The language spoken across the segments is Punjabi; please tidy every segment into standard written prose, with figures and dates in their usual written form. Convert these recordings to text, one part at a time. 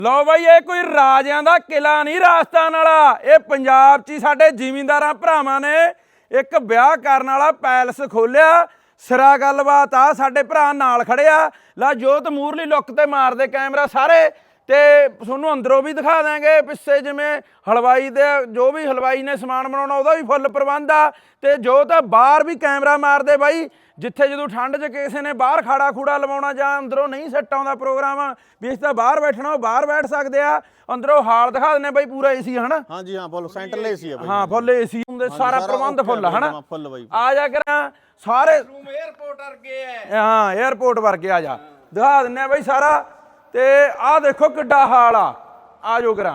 लो भाई ये कोई राजियां दा किला नहीं राजस्थान वाला, ये पंजाब च साडे जिमींदारां भरावां ने एक ब्याह करन वाला पैलस खोलिया। सिरा गलबात आ, साडे भरा नाल खड़े आ। ला जोत मूरली लुक ते मार दे कैमरा सारे, ते तुहानूं अंदरों भी दिखा देंगे। पिछे जिवें हलवाई दे जो भी हलवाई ने समान बनाउणा उहदा भी फुੱਲ प्रबंध आ। ते जोत बाहर भी कैमरा मार दे बाई, जिथे जो ठंड च किसी ने बाहर खाड़ा खूड़ा लवाउणा जां अंदरों नहीं सैट आउंदा प्रोग्राम भी इस तां बाहर बैठना बाहर बैठ सकते आ। अंदरों हाल दिखा देने बाई, पूरा एसी है ना। हाँ जी हाँ, फुੱਲ सेंट्रल एसी है। हाँ फुੱਲ एसी हुंदे, सारा प्रबंध फुੱਲ है ना। आ जा करा सारे एयरपोर्ट वर्गे है। हाँ एयरपोर्ट वर्गे आ जा दिखा देने बाई सारा। ते आ देखो किड्डा हाल आ जाओ करा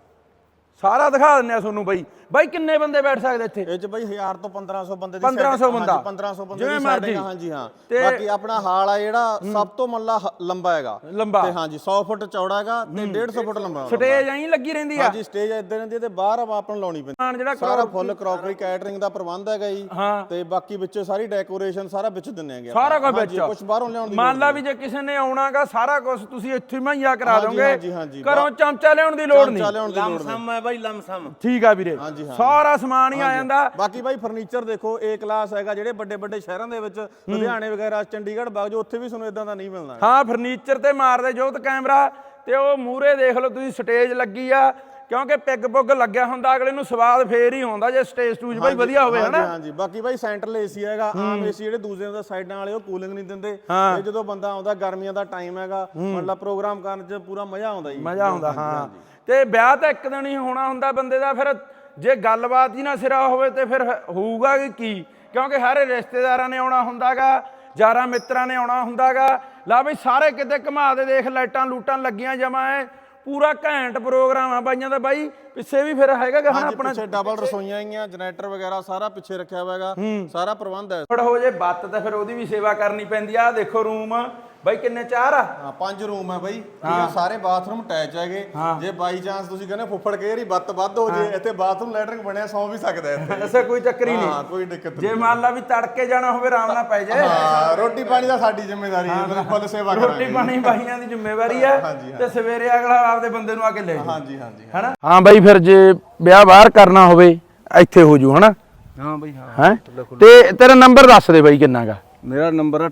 सारा दिखा देने तुहानूं बाई। ਬਾਈ ਕਿੰਨੇ ਬੰਦੇ ਬੈਠ ਸਕਦੇ ਇੱਥੇ? ਇਹ ਚ ਬਾਈ 1000 ਤੋਂ 1500 ਬੰਦੇ ਦੀ 1500 ਬੰਦਾ 1500 ਬੰਦੇ ਦੀ ਸੈਟਿੰਗ। ਹਾਂਜੀ ਹਾਂ, ਬਾਕੀ ਆਪਣਾ ਹਾਲ ਆ ਜਿਹੜਾ ਸਭ ਤੋਂ ਮੱਲਾ ਲੰਬਾ ਹੈਗਾ ਲੰਬਾ ਤੇ ਹਾਂਜੀ 100 ਫੁੱਟ ਚੌੜਾ ਹੈਗਾ ਤੇ 150 ਫੁੱਟ ਲੰਬਾ। ਸਟੇਜ ਐਂ ਲੱਗੀ ਰਹਿੰਦੀ ਆ? ਹਾਂਜੀ ਸਟੇਜ ਇੱਦਾਂ ਰਹਿੰਦੀ ਤੇ ਬਾਹਰ ਆਪਾਂ ਨੂੰ ਲਾਉਣੀ ਪੈਂਦੀ। ਜਿਹੜਾ ਸਾਰਾ ਫੁੱਲ ਕਰੋਕਰੀ ਕੈਟਰਿੰਗ ਦਾ ਪ੍ਰਬੰਧ ਹੈਗਾ ਜੀ। ਤੇ ਬਾਕੀ ਵਿੱਚੋਂ ਸਾਰੀ ਡੈਕੋਰੇਸ਼ਨ ਸਾਰਾ ਵਿੱਚ ਦਿੰਨੇ ਆਗੇ, ਸਾਰਾ ਕੁਝ ਵਿੱਚ। ਕੁਝ ਬਾਹਰੋਂ ਲਿਆਉਣ ਦੀ ਮੰਨ ਲਾ ਵੀ ਜੇ ਕਿਸੇ ਨੇ ਆਉਣਾਗਾ ਸਾਰਾ ਕੁਝ ਤੁਸੀਂ ਇੱਥੇ ਮੁਹੱਈਆ ਕਰਾ ਦੋਗੇ, ਘਰੋਂ ਚਮਚਾ ਲਿਆਉਣ ਦੀ ਲੋੜ ਨਹੀਂ। ਲਮਸਮ ਹੈ ਬਾਈ, ਲਮਸਮ ਠੀਕ ਆ ਵੀਰੇ, ਸਾਰਾ ਸਮਾਨ ਹੀ ਆ ਜਾਂਦਾ। ਬਾਕੀ ਬਾਈ ਫਰਨੀਚਰ ਦੇਖੋ ਏ ਕਲਾਸ ਹੈਗਾ। ਜਿਹੜੇ ਵੱਡੇ ਵੱਡੇ ਸ਼ਹਿਰਾਂ ਦੇ ਵਿੱਚ ਲੁਧਿਆਣੇ ਵਗੈਰਾ ਚੰਡੀਗੜ੍ਹ ਬਾਗ ਜੋ ਉੱਥੇ ਵੀ ਤੁਹਾਨੂੰ ਇਦਾਂ ਦਾ ਨਹੀਂ ਮਿਲਣਾ। ਹਾਂ ਫਰਨੀਚਰ ਤੇ ਮਾਰਦੇ ਜੋਤ ਕੈਮਰਾ। ਤੇ ਉਹ ਮੂਹਰੇ ਦੇਖ ਲਓ ਤੁਸੀਂ ਸਟੇਜ ਲੱਗੀ ਆ, ਕਿਉਂਕਿ ਪਿੱਗ ਪੁੱਗ ਲੱਗਿਆ ਹੁੰਦਾ ਅਗਲੇ ਨੂੰ ਸਵਾਦ ਫੇਰ ਹੀ ਆਉਂਦਾ ਜੇ ਸਟੇਜ ਸਟੂਜ ਬਾਈ ਵਧੀਆ ਹੋਵੇ ਹਨਾ। ਹਾਂਜੀ ਬਾਕੀ ਬਾਈ ਸੈਂਟਰਲ ਏਸੀ ਹੈਗਾ। ਆਮ ਏਸੀ ਜਿਹੜੇ ਦੂਸਰੇ ਦਾ ਸਾਈਡਾਂ ਵਾਲੇ ਉਹ ਕੂਲਿੰਗ ਨਹੀਂ ਦਿੰਦੇ। ਇਹ ਜਦੋਂ ਬੰਦਾ ਆਉਂਦਾ ਗਰਮੀਆਂ ਦਾ ਟਾਈਮ ਹੈਗਾ, ਮਤਲਬ ਪ੍ਰੋਗਰਾਮ ਕਰਨ 'ਚ ਪੂਰਾ ਮਜ਼ਾ ਆਉਂਦਾ ਜੀ, ਮਜ਼ਾ ਆਉਂਦਾ। ਹਾਂ ਤੇ ਵਿਆਹ ਤਾਂ ਇੱਕ ਦਿਨ ਹੀ ਹੋਣਾ ਹੁੰਦਾ ਬੰਦੇ ਦਾ, ਫਿਰ ਜੇ ਗੱਲਬਾਤ ਹੀ ਨਾ ਸਿਰਾ ਹੋਵੇ ਤੇ ਫਿਰ ਹੋਊਗਾ ਕੀ? ਕਿਉਂਕਿ ਹਰ ਰਿਸ਼ਤੇਦਾਰਾਂ ਨੇ ਆਉਣਾ ਹੁੰਦਾਗਾ, ਯਾਰਾਂ ਮਿੱਤਰਾਂ ਨੇ ਆਉਣਾ ਹੁੰਦਾਗਾ। ਲਾ ਬਈ ਸਾਰੇ ਕਿਤੇ ਘੁਮਾ ਦੇ ਦੇਖ, ਲਾਈਟਾਂ ਲੂਟਾਂ ਲੱਗੀਆਂ ਜਮਾ ਹੈ, ਪੂਰਾ ਘੈਂਟ ਪ੍ਰੋਗਰਾਮ ਆ ਬਾਈਆਂ ਦਾ। ਬਾਈ ਪਿੱਛੇ ਵੀ ਫਿਰ ਹੈਗਾ ਗਾ ਆਪਣਾ ਡਬਲ ਰਸੋਈਆਂ ਆਈਆਂ, ਜਨਰੇਟਰ ਵਗੈਰਾ ਸਾਰਾ ਪਿੱਛੇ ਰੱਖਿਆ ਹੋਇਆ ਹੈਗਾ, ਸਾਰਾ ਪ੍ਰਬੰਧ ਹੈ। ਹੋ ਜੇ ਬੱਤ ਤਾਂ ਫਿਰ ਉਹਦੀ ਵੀ ਸੇਵਾ ਕਰਨੀ ਪੈਂਦੀ ਆ। ਦੇਖੋ ਰੂਮ ਬਾਈ ਕਿੰਨੇ? 4 ਆ? ਹਾਂ 5 ਰੂਮ ਹੈ ਬਾਈ। ਸਾਰੇ ਬਾਥਰੂਮ ਅਟੈਚ ਹੈਗੇ। ਜੇ ਬਾਈ ਚਾਂਸ ਤੁਸੀਂ ਕਹਿੰਦੇ ਫੁੱਫੜ ਕੇ ਰੀ ਬੱਤ ਵੱਧ ਹੋ ਜੇ, ਇੱਥੇ ਬਾਥਰੂਮ ਲੈਟਰਿੰਗ ਬਣਿਆ, ਸੌ ਵੀ ਸਕਦਾ ਇੱਥੇ। ਐਸਾ ਕੋਈ ਚੱਕਰ ਹੀ ਨਹੀਂ। ਹਾਂ ਕੋਈ ਦਿੱਕਤ ਨਹੀਂ। ਜੇ ਮੰਨ ਲਾ ਵੀ ਤੜਕੇ ਜਾਣਾ ਹੋਵੇ ਆਰਾਮ ਨਾਲ ਪੈ ਜਾਏ। ਹਾਂ ਰੋਟੀ ਪਾਣੀ ਦਾ ਸਾਡੀ ਜ਼ਿੰਮੇਵਾਰੀ ਹੈ, ਮਤਲਬ ਫੁੱਲ ਸੇਵਾ ਕਰਾਂਗੇ। ਰੋਟੀ ਪਾਣੀ ਬਾਈਆਂ ਦੀ ਜ਼ਿੰਮੇਵਾਰੀ ਆ ਤੇ ਸਵੇਰੇ ਅਗਲਾ ਆਪਦੇ ਬੰਦੇ ਨੂੰ ਆ ਕੇ ਲੈ ਜਾਓ। ਹਾਂਜੀ ਹਾਂਜੀ ਹੈਨਾ। ਹਾਂ ਬਾਈ ਫਿਰ ਜੇ ਵਿਆਹ ਬਾਹਰ ਕਰਨਾ ਹੋਵੇ ਇੱਥੇ ਹੋ ਜੂ ਹਨਾ। ਹਾਂ ਬਾਈ ਹਾਂ। ਹੈ ਤੇ ਤੇਰਾ ਨੰਬਰ ਦੱਸ ਦੇ ਬਾਈ ਕਿੰਨਾ ਗਾ? ਮੇਰਾ ਨੰਬਰ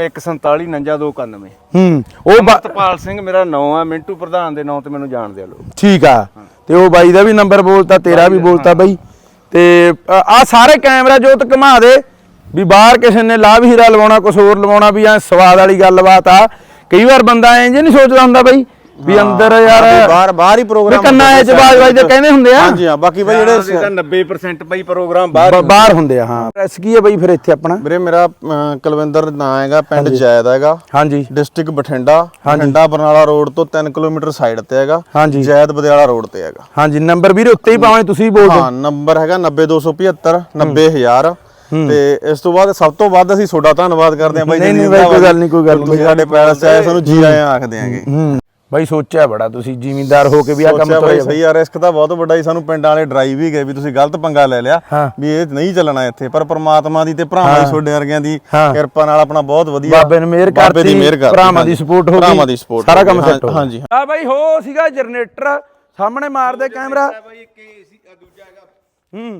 9814499291। ਉਹ ਅਮਰਤਪਾਲ ਸਿੰਘ ਮੇਰਾ ਨਾਂ ਆ, ਮਿੰਟੂ ਪ੍ਰਧਾਨ ਦੇ ਨਾਂ ਤੇ ਮੈਨੂੰ ਜਾਣਦੇ ਆ ਲੋਕ। ਠੀਕ ਆ। ਤੇ ਉਹ ਬਾਈ ਦਾ ਵੀ ਨੰਬਰ ਬੋਲਤਾ, ਤੇਰਾ ਵੀ ਬੋਲਤਾ ਬਾਈ। ਤੇ ਆ ਸਾਰੇ ਕੈਮਰਾ ਜੋਤ ਘੁਮਾ ਦੇ ਵੀ ਬਾਹਰ ਕਿਸੇ ਨੇ ਲਾਭ ਹੀਰਾ ਲਵਾਉਣਾ, ਕੁਛ ਹੋਰ ਲਵਾਉਣਾ, ਵੀ ਐ ਸਵਾਦ ਵਾਲੀ ਗੱਲਬਾਤ ਆ। ਕਈ ਵਾਰ ਬੰਦਾ ਇੰਜ ਨਹੀਂ ਸੋਚਦਾ ਹੁੰਦਾ ਬਾਈ ਵੀ ਅੰਦਰ ਯਾਰ ਬਾਹਰ ਹੀ ਪ੍ਰੋਗਰਾਮ ਕੰਨਾਂ ਚ ਬਾਜ ਵੱਜਦੇ ਕਹਿੰਦੇ ਹੁੰਦੇ ਆ। ਹਾਂਜੀ ਹਾਂ ਬਾਕੀ ਬਾਈ ਜਿਹੜੇ 90% ਬਾਈ ਪ੍ਰੋਗਰਾਮ ਬਾਹਰ ਹੁੰਦੇ ਆ। ਹਾਂ ਪ੍ਰੈਸ ਕੀ ਹੈ ਬਾਈ ਫਿਰ ਇੱਥੇ ਆਪਣਾ? ਵੀਰੇ ਮੇਰਾ ਕੁਲਵਿੰਦਰ ਨਾਂ ਹੈਗਾ, ਪਿੰਡ ਜੈਦ ਹੈਗਾ। ਹਾਂਜੀ ਡਿਸਟ੍ਰਿਕਟ ਬਠਿੰਡਾ ਬਰਨਾਲਾ ਰੋਡ ਤੋਂ 3 ਕਿਲੋਮੀਟਰ ਸਾਈਡ ਤੇ ਹੈਗਾ। ਹਾਂਜੀ ਜੈਦ ਬਦਿਆਲਾ ਰੋਡ ਤੇ ਹੈਗਾ। ਹਾਂਜੀ ਨੰਬਰ ਵੀਰੇ ਉੱਤੇ ਹੀ ਪਾਵੇਂ ਤੁਸੀਂ ਬੋਲ ਦਿਓ। ਹਾਂ ਨੰਬਰ ਹੈਗਾ 90275 90000। ਤੇ ਇਸ ਤੋਂ ਬਾਅਦ ਸਭ ਤੋਂ ਵੱਧ ਅਸੀਂ ਤੁਹਾਡਾ ਧੰਨਵਾਦ ਕਰਦੇ ਹਾਂ ਬਾਈ। ਨਹੀਂ ਬਾਈ ਕੋਈ ਗੱਲ ਨਹੀਂ, ਕੋਈ ਗੱਲ ਨਹੀਂ। ਸਾਡੇ ਪੈਲਸ ਚ ਆਏ ਸਾਨੂੰ ਜੀ ਆਇਆਂ ਆਖਦੇ ਆਂਗੇ। ਬਾਈ ਸੋਚਿਆ ਬੜਾ ਤੁਸੀਂ ਜ਼ਿਮੀਂਦਾਰ ਹੋ ਕੇ ਵੀ ਆ ਕੰਮ ਬਾਈ ਸਹੀ ਯਾਰ, ਰਿਸਕ ਤਾਂ ਬਹੁਤ ਵੱਡਾ ਹੀ। ਸਾਨੂੰ ਪਿੰਡਾਂ ਵਾਲੇ ਡਰਾਈਵ ਵੀ ਗਏ ਵੀ ਤੁਸੀਂ ਗਲਤ ਪੰਗਾ ਲੈ ਲਿਆ ਵੀ ਇਹ ਨਹੀਂ ਚੱਲਣਾ ਇੱਥੇ, ਪਰ ਪ੍ਰਮਾਤਮਾ ਦੀ ਤੇ ਭਰਾਵਾਂ ਦੀ ਤੁਹਾਡੇ ਵਰਗਿਆਂ ਦੀ ਕਿਰਪਾ ਨਾਲ ਆਪਣਾ ਬਹੁਤ ਵਧੀਆ ਬਾਬੇ ਨੇ ਮਿਹਰ ਕਰਤੀ, ਭਰਾਵਾਂ ਦੀ ਸਪੋਰਟ ਹੋ ਗਈ, ਭਰਾਵਾਂ ਦੀ ਸਪੋਰਟ ਸਾਰਾ ਕੰਮ ਸੈੱਟ ਹੋ ਗਿਆ। ਹਾਂਜੀ ਆ ਬਾਈ ਹੋ ਸੀਗਾ ਜਨਰੇਟਰ ਸਾਹਮਣੇ ਮਾਰਦੇ ਕੈਮਰਾ। ਬਾਈ ਇੱਕ ਏਸੀ ਦੂਜਾ ਹੈਗਾ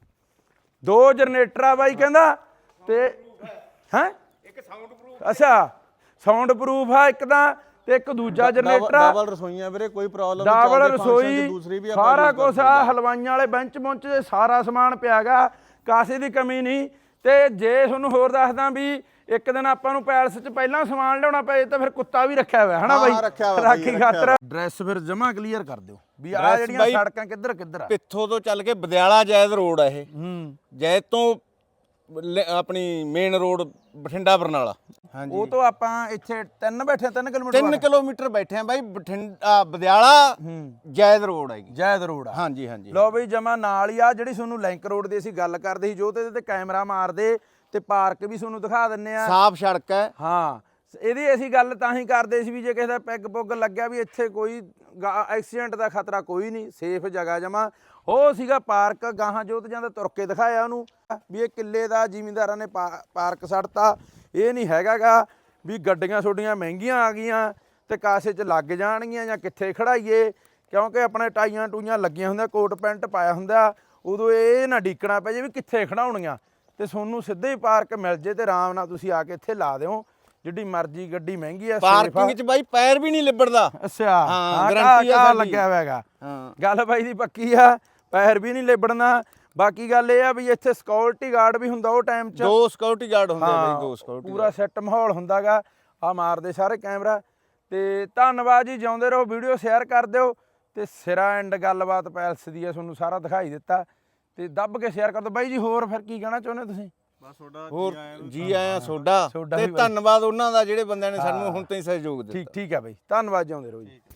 2 ਜਨਰੇਟਰ ਆ ਬਾਈ ਕਹਿੰਦਾ। ਤੇ ਹੈ ਇੱਕ ਸਾਊਂਡ ਪ੍ਰੂਫ। ਅੱਛਾ ਸਾਊਂਡ ਪ੍ਰੂਫ ਆ ਇੱਕ ਤਾਂ, ਤੇ ਇੱਕ ਦੂਜਾ ਜਨਰੇਟਰ ਆ। ਡਬਲ ਰਸੋਈਆਂ ਵੀਰੇ, ਕੋਈ ਪ੍ਰੋਬਲਮ ਨਹੀਂ। ਡਬਲ ਰਸੋਈ ਸਾਰਾ ਕੁਝ ਆ। ਹਲਵਾਈਆਂ ਵਾਲੇ ਬੈਂਚ ਬੁੰਚ ਸਾਰਾ ਸਮਾਨ ਪਿਆਗਾ, ਕਾਸੇ ਦੀ ਕਮੀ ਨਹੀਂ। ਤੇ ਜੇ ਤੁਹਾਨੂੰ ਹੋਰ ਦੱਸਦਾ ਵੀ ਇੱਕ ਦਿਨ ਆਪਾਂ ਨੂੰ ਪੈਲਸ 'ਚ ਪਹਿਲਾਂ ਸਮਾਨ ਲਿਆਉਣਾ ਪਏ ਤਾਂ ਫਿਰ ਕੁੱਤਾ ਵੀ ਰੱਖਿਆ ਹੋਇਆ ਹਨਾ ਬਾਈ, ਰਾਖੀ ਖਾਤਰ। ਐਡਰੈਸ ਫਿਰ ਜਮਾ ਕਲੀਅਰ ਕਰ ਦਿਓ ਵੀ ਆ ਜਿਹੜੀਆਂ ਸੜਕਾਂ ਕਿੱਧਰ ਕਿੱਧਰ ਆ। ਪਿੱਥੋਂ ਤੋਂ ਚੱਲ ਕੇ ਬਦਿਆਲਾ ਜੈਦ ਰੋਡ ਆ ਇਹ। ਜੈਦ ਤੋਂ ਆਪਣੀ ਮੇਨ ਰੋਡ ਬਠਿੰਡਾ ਬਰਨਾਲਾ। ਹਾਂਜੀ ਉਹ ਤੋਂ ਆਪਾਂ ਇੱਥੇ 3 ਬੈਠੇ 3 ਕਿਲੋਮੀਟਰ 3 ਕਿਲੋਮੀਟਰ ਬੈਠੇ ਆ ਬਾਈ। ਬਠਿੰਡਾ ਬਦਿਆਲਾ ਜੈਦ ਰੋਡ ਹੈ ਜੀ। ਜੈਦ ਰੋਡ ਆ। ਹਾਂਜੀ ਹਾਂਜੀ ਲਓ ਬਈ ਜਮਾ ਨਾਲ ਹੀ ਆ। ਜਿਹੜੀ ਤੁਹਾਨੂੰ ਲਿੰਕ ਰੋਡ ਦੀ ਅਸੀਂ ਗੱਲ ਕਰਦੇ ਸੀ, ਜੋ ਤੇ ਇਹਦੇ ਤੇ ਕੈਮਰਾ ਮਾਰਦੇ ਤੇ ਪਾਰਕ ਵੀ ਤੁਹਾਨੂੰ ਦਿਖਾ ਦਿੰਨੇ ਆ। ਸਾਫ ਸੜਕ ਹੈ। ਹਾਂ ਇਹਦੀ ਅਸੀਂ ਗੱਲ ਤਾਂ ਹੀ ਕਰਦੇ ਸੀ ਵੀ ਜੇ ਕਿਸੇ ਦਾ ਪੈਗ ਪੁੱਗ ਲੱਗਿਆ ਵੀ ਇੱਥੇ ਕੋਈ ਐਕਸੀਡੈਂਟ ਦਾ ਖਤਰਾ ਕੋਈ ਨਹੀਂ, ਸੇਫ ਜਗ੍ਹਾ ਜਮਾ। ਉਹ ਸੀਗਾ ਪਾਰਕ, ਗਾਹਾਂ ਜੋਤ ਜਾਂਦਾ ਤੁਰ ਕੇ ਦਿਖਾਇਆ ਉਹਨੂੰ ਵੀ ਇਹ ਕਿੱਲੇ ਦਾ ਜ਼ਿਮੀਂਦਾਰਾਂ ਨੇ ਪਾਰਕ ਛੱਡਤਾ। ਇਹ ਨਹੀਂ ਹੈਗਾ ਗਾ ਵੀ ਗੱਡੀਆਂ ਛੋਡੀਆਂ ਮਹਿੰਗੀਆਂ ਆ ਗਈਆਂ ਤੇ ਕਾਸੇ 'ਚ ਲੱਗ ਜਾਣਗੀਆਂ ਜਾਂ ਕਿੱਥੇ ਖੜਾਈਏ, ਕਿਉਂਕਿ ਆਪਣੇ ਟਾਈਆਂ ਟੂਈਆਂ ਲੱਗੀਆਂ ਹੁੰਦੀਆਂ, ਕੋਟ ਪੈਂਟ ਪਾਇਆ ਹੁੰਦਾ, ਉਦੋਂ ਇਹ ਨਾ ਡੀਕਣਾ ਪੈ ਜੇ ਵੀ ਕਿੱਥੇ ਖੜਾਉਣੀਆਂ, ਤੇ ਤੁਹਾਨੂੰ ਸਿੱਧੇ ਹੀ ਪਾਰਕ ਮਿਲ ਜੇ ਤੇ ਆਰਾਮ ਨਾਲ ਤੁਸੀਂ ਆ ਕੇ ਇੱਥੇ ਲਾ ਦਿਓ। ਜਿੱਡੀ ਮਰਜ਼ੀ ਗੱਡੀ ਮਹਿੰਗੀ ਆ, ਪਾਰਕਿੰਗ 'ਚ ਬਾਈ ਪੈਰ ਵੀ ਨਹੀਂ ਲਿਬੜਦਾ। ਅੱਛਾ, ਹਾਂ, ਗਾਰੰਟੀ ਆ ਸਾਡੀ। ਲੱਗਿਆ ਹੋਇਆ ਹੈਗਾ। ਹਾਂ, ਗੱਲ ਬਾਈ ਦੀ ਪੱਕੀ ਆ, ਪੈਰ ਵੀ ਨਹੀਂ ਲਿਬੜਨਾ। ਬਾਕੀ ਗੱਲ ਇਹ ਆ ਵੀ ਇੱਥੇ ਸਿਕਿਉਰਿਟੀ ਗਾਰਡ ਵੀ ਹੁੰਦਾ ਉਹ ਟਾਈਮ 'ਚ। 2 ਸਿਕਿਉਰਿਟੀ ਗਾਰਡ ਹੁੰਦੇ ਆ ਹਾਂ, ਬਾਈ, 2 ਸਿਕਿਉਰਿਟੀ ਪੂਰਾ ਸੈੱਟ ਮਾਹੌਲ ਹੁੰਦਾਗਾ। ਆ ਮਾਰਦੇ ਸਾਰੇ ਕੈਮਰਾ। ਤੇ ਧੰਨਵਾਦ ਜੀ, ਜਿਉਂਦੇ ਰਹੋ, ਵੀਡੀਓ ਸ਼ੇਅਰ ਕਰ ਦਿਓ ਤੇ ਸਿਰਾ ਐਂਡ ਗੱਲਬਾਤ ਪੈਲਸ ਦੀ ਆ, ਤੁਹਾਨੂੰ ਸਾਰਾ ਦਿਖਾਈ ਦਿੱਤਾ ਤੇ ਦੱਬ ਕੇ ਸ਼ੇਅਰ ਕਰ ਦਿਓ। ਬਾਈ ਜੀ ਹੋਰ ਫਿਰ ਕੀ ਕਹਿਣਾ ਚਾਹੁੰਦੇ ਤੁਸੀਂ? ਬਸ ਤੁਹਾਡਾ ਹੋਰ ਜੀ ਆਇਆਂ ਤੁਹਾਡਾ ਤੁਹਾਡਾ ਤੇ ਵੀ ਬਾਈ। ਧੰਨਵਾਦ ਉਹਨਾਂ ਦਾ ਜਿਹੜੇ ਬੰਦਿਆਂ ਨੇ ਸਾਨੂੰ ਹੁਣ ਤਾਈਂ ਸਹਿਯੋਗ ਦਿੱਤਾ। ਠੀਕ ਹੈ ਬਾਈ, ਧੰਨਵਾਦ, ਜਿਉਂਦੇ ਰਹੋ ਜੀ।